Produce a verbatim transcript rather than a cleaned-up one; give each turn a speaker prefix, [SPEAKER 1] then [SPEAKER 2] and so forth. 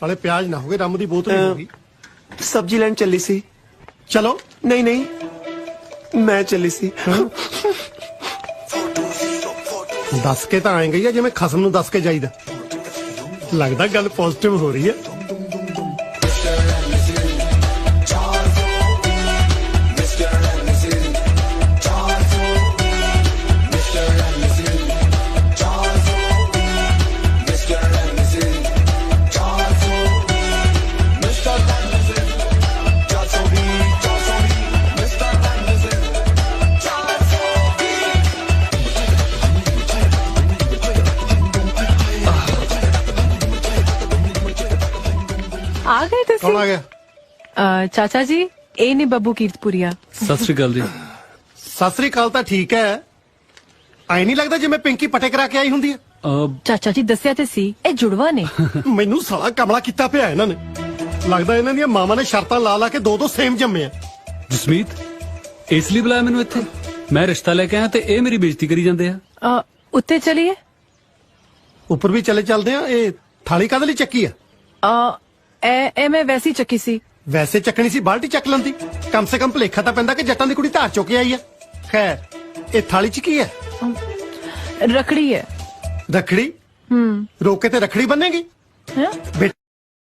[SPEAKER 1] साले प्याज ना हो गए, रम दी बोतल ही होगी।
[SPEAKER 2] सब्जी लैन चली सी।
[SPEAKER 1] चलो।
[SPEAKER 2] नहीं नहीं मैं चली सी।
[SPEAKER 1] दस के तो आएंगे या जिवें खसम नूं दस के जाईदा। लगदा गल पॉजिटिव हो रही है।
[SPEAKER 3] आ गए थे
[SPEAKER 1] कौन आ गया?
[SPEAKER 3] अ, चाचा जी ए ने ਬੱਬੂ ਕੀਰਤਪੁਰੀਆ।
[SPEAKER 4] सत श्री अकाल जी।
[SPEAKER 1] सत श्री अकाल ਤਾਂ ਠੀਕ ਹੈ। ਐ ਨਹੀਂ ਲੱਗਦਾ ਜਿਵੇਂ ਪਿੰਕੀ ਪਟੇ ਕਰਾ ਕੇ ਆਈ ਹੁੰਦੀ ਹੈ।
[SPEAKER 4] ਅਹ,
[SPEAKER 3] ਚਾਚਾ ਜੀ ਦੱਸਿਆ ਤੇ ਸੀ ਇਹ ਜੁੜਵਾ ਨੇ।
[SPEAKER 1] ਮੈਨੂੰ ਸਾਲਾ ਕਮਲਾ ਕੀਤਾ ਪਿਆ ਇਹਨਾਂ ਨੇ। ਲੱਗਦਾ ਇਹਨਾਂ ਦੀਆਂ ਮਾਵਾਂ ਨੇ ਸ਼ਰਤਾਂ ਲਾ ਲਾ ਕੇ ਦੋ ਦੋ ਸੇਮ ਜੰਮੇ ਆ।
[SPEAKER 4] ਜਸਮੀਤ ਇਸ ਲਈ ਬੁਲਾਇਆ ਮੈਨੂੰ ਇੱਥੇ? ਮੈਂ ਰਿਸ਼ਤਾ ਲੈ ਕੇ ਆਇਆ ਤੇ ਇਹ ਮੇਰੀ ਬੇਇੱਜ਼ਤੀ ਕਰੀ ਜਾਂਦੇ ਆ।
[SPEAKER 3] ਅ, ਉੱਤੇ ਚਲੀਏ।
[SPEAKER 1] ਉੱਪਰ ਵੀ ਚਲੇ ਚੱਲਦੇ ਆ। ਇਹ ਥਾਲੀ ਕਾਹਦੇ ਲਈ ਚੱਕੀ ਆ?
[SPEAKER 3] ਅ, ਇਹ ਇਹ ਮੈਂ ਵੈਸੀ ਚੱਕੀ ਸੀ।
[SPEAKER 1] ਵੈਸੇ ਚੱਕਣੀ ਸੀ, ਬਾਲਟੀ ਚੱਕ ਲੈਂਦੀ। ਕਮ ਸੇ ਕਮ ਭਲੇਖਾ ਤਾਂ ਪੈਂਦਾ ਕਿ ਜੱਟਾਂ ਦੀ ਕੁੜੀ ਧਾਰ ਚੁੱਕ ਕੇ ਆਈ ਆ। ਖੈਰ ਇਹ ਥਾਲੀ ਚ ਕੀ ਹੈ?
[SPEAKER 3] ਰਖੜੀ ਹੈ।
[SPEAKER 1] ਰੱਖੜੀ?
[SPEAKER 3] ਹੂੰ
[SPEAKER 1] ਰੋਕੇ ਤੇ ਰੱਖੜੀ ਬੰਨੇਗੀ?
[SPEAKER 3] ਹੈ
[SPEAKER 1] ਬੇ-